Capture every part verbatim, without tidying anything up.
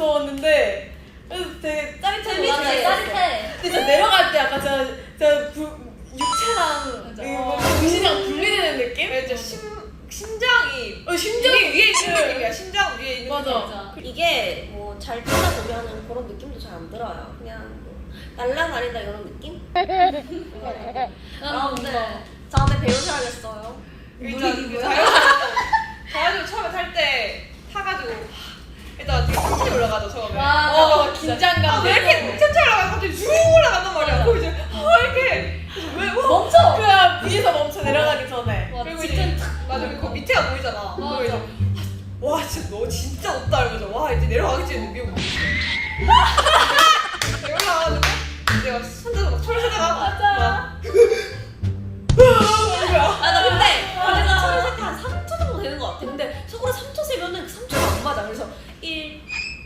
무서웠는데 그래서 되게 짜릿해. 맞아, 짜릿해. 근데 진짜 내려갈 때 약간 제가 제가 부, 육체랑 이거 정신이랑 분리되는 느낌? 진짜 심 심장이 어, 심장 위에, 위에 있는 느낌이야. 심장 위에 있는 맞아. 느낌. 맞아. 이게 뭐 잘 타다 보면은 그런 느낌도 잘 안 들어요. 그냥 뭐 날라다니다 이런 느낌? 아, 근데 다음에 배우셔야겠어요. 일단 그 자연스러워 자연스러워 처음에 탈 때 타가지고 일단 되게 천천히 올라가죠 처음에. 와, 어, 아, 긴장감. 왜 이렇게 천천히 올라가 갑자기 쭉 올라간단 말이야. 그리고 이제 어 이렇게 왜 와? 멈춰. 그냥 위에서 멈춰 내려가기 전에. 와, 그리고 진짜 이제 맞아 그리고 밑에가 보이잖아. 그리고 맞아. 이제 와 진짜 너 진짜 높다 이러면서 와 이제 내려가겠지 했는데 위에 올라가가지고 내가 손잡고 막 철새다가 맞아. 아, 나 근데 그래서 처음에 살때한 삼 초 정도 되는 것 같아. 근데 속으로 삼 초 세면은 그 삼 초가 안 맞아. 그래서 일,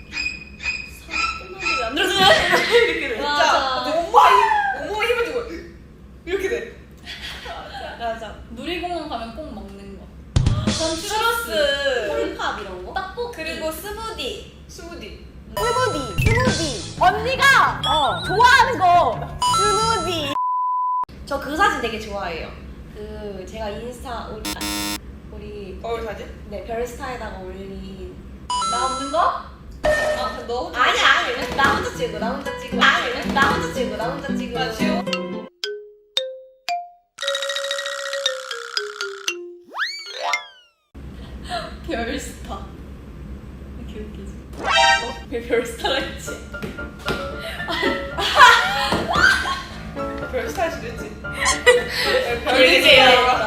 삼 끝났는데 왜 안 들어주냐? 이렇게 돼. 맞아. 진짜 온몸에 힘 온몸에 힘을 주고 이렇게 돼. 맞아. 놀이공원 가면 꼭 먹는 거. 전 추러스 콜팝 이런 거? 떡볶이. 그리고 스무디. 스무디. 스무디, 스무디. 언니가 어, 좋아하는 거. 스무디. 저 그 사진 되게 좋아해요. 그 제가 인스타 우리 아, 우리 거울 사진? 네 별스타에다가 올린 나 없는 거? 아너 혼자 아니 아니 나 혼자 찍고 나 혼자 찍고 아니 나 혼자 찍고 나 혼자 찍고 아 지호? 별스타. 이렇게 웃기지. 왜 별스타라 했지? 별 스타일 수도 있지. 별이세요.